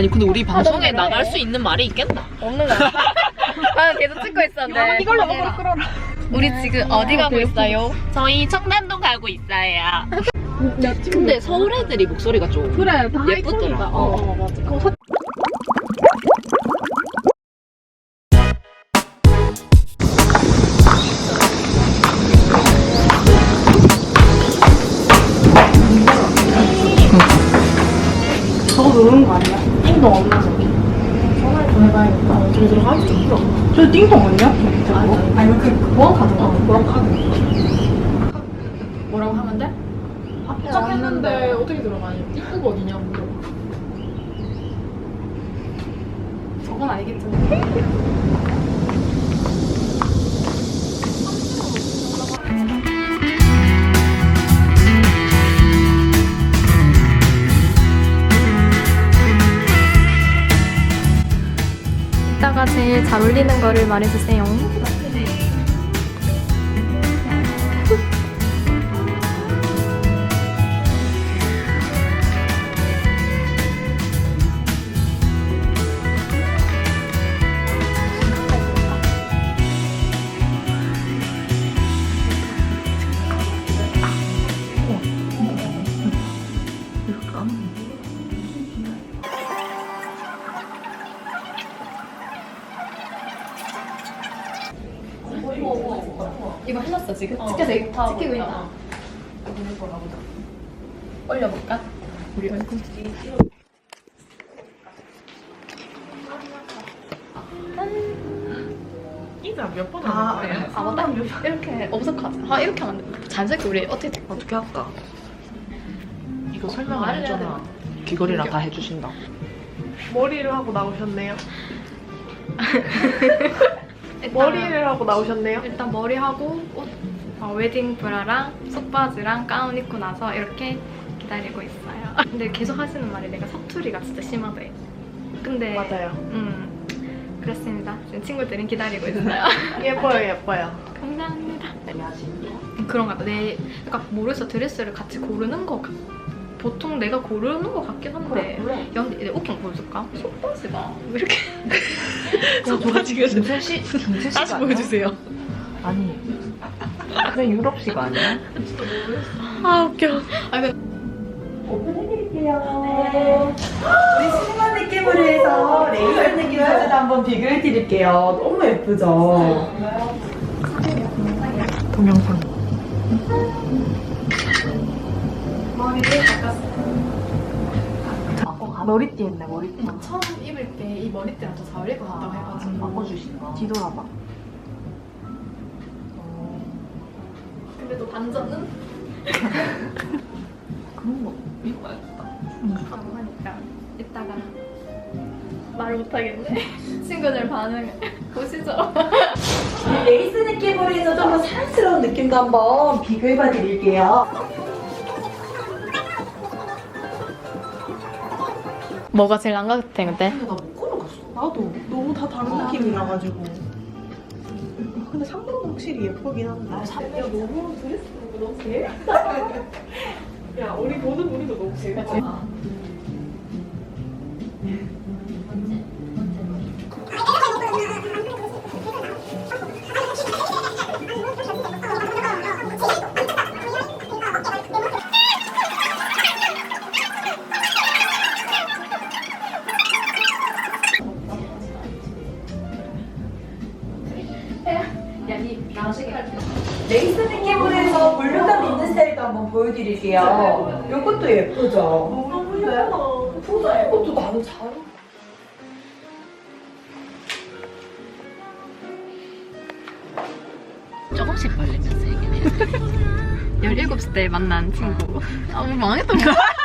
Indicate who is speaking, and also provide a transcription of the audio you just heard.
Speaker 1: 아니 근데 우리 방송에 나갈 수 있는 말이 있겠나?
Speaker 2: 없는 거야. 아 계속 찍고 있었는데. 이걸로 먹으러 끌어라. 우리 지금 어디 가고 있어요?
Speaker 1: 저희 청담동 가고 있어요. 근데 서울 애들이 목소리가 좀
Speaker 3: 그래, 다
Speaker 1: 예쁘더라.
Speaker 3: 맞아. 저거 누르는 거 아니야? 띵동 없나 저기? 전화를 좀 해봐야겠다. 저기 들어가기 좀 풀어. 저 띵동 아니야? 아니 그 보안 카드가? 보안 카드.
Speaker 2: 뭐라고 하면 돼?
Speaker 3: 합격했는데 어떻게 들어가냐? 입구가 어디냐 물어봐. 저건 알겠죠?
Speaker 2: 이따가 제일 잘 어울리는 거를 말해주세요. 이거 해놨어 지금? 찍히고 있다. 올려볼까? 우리 얼굴.
Speaker 3: 인사 몇 번 하는데?
Speaker 2: 아 맞다. 이렇게 엄석하자. 이렇게 하면 안 돼. 자연스럽게 우리 어떻게 할까?
Speaker 1: 이거 설명 안 해줘나 귀걸이랑 다 해주신다.
Speaker 3: 머리를 하고 나오셨네요. 머리를 하고 나오셨네요.
Speaker 2: 일단 머리하고 옷, 웨딩 브라랑 속바지랑 가운 입고 나서 이렇게 기다리고 있어요. 근데 계속 하시는 말이 내가 사투리가 진짜 심하대. 근데
Speaker 3: 맞아요.
Speaker 2: 그렇습니다. 지금 친구들은 기다리고 있어요.
Speaker 3: 예뻐요.
Speaker 2: 감사합니다. 그런가 봐. 그러니까 모르겠어. 드레스를 같이 고르는 거 보통 내가 고르는 거 같긴 한데.
Speaker 3: 그래.
Speaker 2: 야, 근데 옷경 보여줄까? 속바지가 왜 이렇게
Speaker 1: 저거 지금 중세시가
Speaker 2: 다시 보여주세요.
Speaker 1: 아니 그래 유럽시가 아니야?
Speaker 2: 아 웃겨.
Speaker 4: 오픈해드릴게요. 우리 시그마 느낌으로 해서 레이저 느낌 사진 한번 비교해드릴게요. 너무 예쁘죠?
Speaker 1: 동영상.
Speaker 2: 머리를 바꿨어.
Speaker 1: 머리띠 했네 머리띠.
Speaker 2: 처음 입을 때 이 머리띠랑 더 잘 어울릴 것 같다고 해가지고
Speaker 1: 바꿔주신다. 뒤돌아봐.
Speaker 2: 근데 또 반전은?
Speaker 1: 그런 거 입어야겠다.
Speaker 2: 라고 하니까 이따가 말을 못하겠네. 친구들 반응 보시죠.
Speaker 4: 레이스 느낌으로 해서 좀 더 사랑스러운 느낌도 한번 비교해봐드릴게요.
Speaker 2: 뭐가 제일 안 같아 근데?
Speaker 1: 나못 걸어갔어.
Speaker 3: 나도 너무 다 다른 느낌이라가지고. 근데 상도는 확실히 예쁘긴 한데. 야 너무 드레스 너무 재밌다. 야 우리 보는 우리도 너무 재밌지.
Speaker 4: 레이스 느낌으로 해서 볼륨감 있는 스타일도 한번 보여드릴게요. 이것도 예쁘죠?
Speaker 3: 너무 예쁘다.
Speaker 4: 이것도 나는 잘 어울려.
Speaker 1: 조금씩 벌리면서 얘기해.
Speaker 2: 17살 때 만난 친구. 아, 뭐 망했던 거야?